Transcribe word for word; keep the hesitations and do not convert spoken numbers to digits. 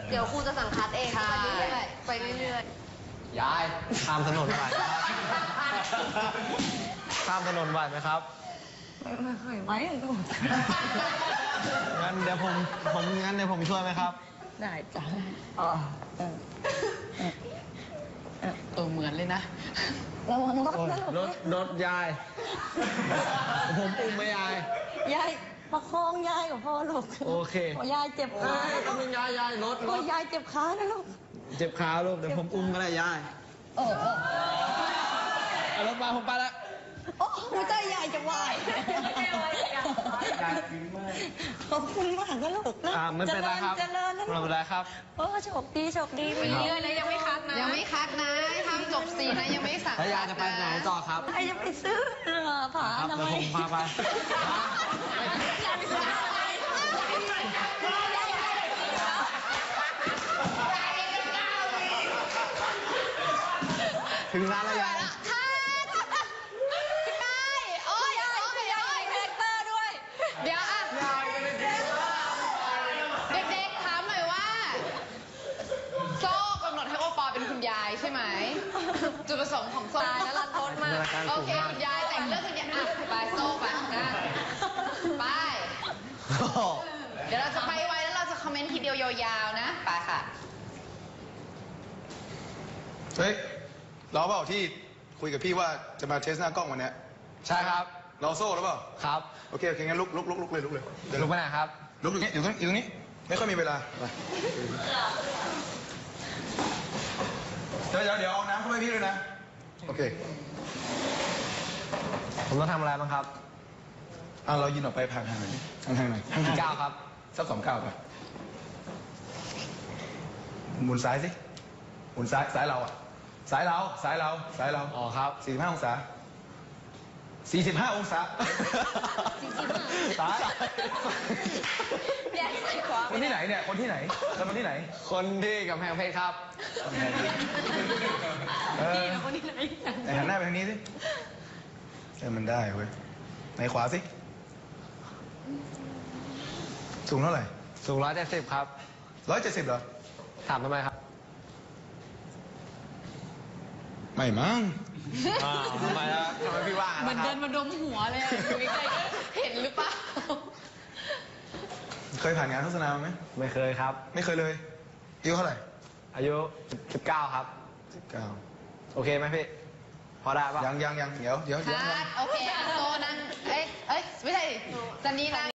เดี๋ยวครูจะสั่งคัดเองไปเรื่อยๆไปเรื่อยยายข้ามถนนไหวข้ามถนนไหวไหมครับไม่เคยไหวลูกงั้นเดี๋ยวผมผมงั้นเดี๋ยวผมช่วยไหมครับได้จ้ะอ๋อเออเออเหมือนเลยนะระวังรถนะรถรถยายผมอุ้มไหมยายยายประคองยายกับพ่อลูกโอเคยายเจ็บขาก็มียายยายรถรถยายเจ็บขานะลูกเจ็บขาลูกเดี๋ยวผมอุ้มก็ได้ยายเออเอารถมาผมไปละโอ้หัวใจยายจะวายขอบคุณมากนะลูกอ่าไม่เป็นไรครับเจริญนะไม่เป็นไรครับโอ้โชคดีโชคดีไปเรื่อยนะยังไม่คัดนะยังไม่คัดนะทำจบสี่นะยังไม่สั่งแล้วยายจะไปไหนต่อครับยายจะไปซื้อผาทำไมเดี๋ยวผมพาไปถึงร้านแล้วยายเดี๋ยวอ่ะเด็กๆถามหน่อยว่าโซ่กำหนดให้โอปอเป็นคุณยายใช่ไหมจุดประสงค์ของโซ่แล้วรันทดมากโอเคคุณยายแต่งเรื่องคุณยายอ่ะไปโซ่ไปนะไปเดี๋ยวเราจะไปไว้แล้วเราจะคอมเมนต์ทีเดียวยาวๆนะไปค่ะเฮ้ยเราเปล่าที่คุยกับพี่ว่าจะมาเทสหน้ากล้องวันนี้ใช่ครับเราโซ่หรือเปล่าครับโอเคโอเคงั้นลุกลุกลุกลุกเลยลุกเลยลุกไปไหนครับลุกอยู่นี้อยู่ตรงนี้อยู่ตรงนี้ไม่ค่อยมีเวลาไปเดี๋ยวเดี๋ยวเอาน้ำเข้าไปพี่ด้วยนะโอเคผมต้องทำอะไรบ้างครับอ่ะเรายินออกไปผ่านทางไหนทางทางไหนทางเก้าครับสักสองเก้าไปหมุนซ้ายสิหมุนซ้ายซ้ายเราอ่ะซ้ายเราซ้ายเราซ้ายเราอ๋อครับสี่สิบห้าองศาสี่สิบห้าองศาซ้ายคนที่ไหนเนี่ยคนที่ไหนแล้วคนที่ไหนคนที่กำแพงเพชรครับนี่แล้วคนที่ไหนไหนหันหน้าไปทางนี้สิเออมันได้เว้ยไหนขวาสิสูงเท่าไหร่สูงร้อยเจ็ดสิบครับร้อยเจ็ดสิบเหรอถามทำไมครับไม่มั้งทำไมล่ะทำไมพี่ว่าเหมือนเดินมาดมหัวเลยอยู่ใกล้ๆก็เห็นหรือเปล่าเคยผ่านงานโฆษณาไหมไม่เคยครับไม่เคยเลยอายุเท่าไหร่อายุสิบเก้าครับสิบเก้าโอเคไหมพี่พอได้ปะยังยังยังเดี๋ยวเดี๋ยวเดี๋ยวโอเคอันโตนั่งเอ้ยเอ้ยไม่ใช่จันนี่นั่ง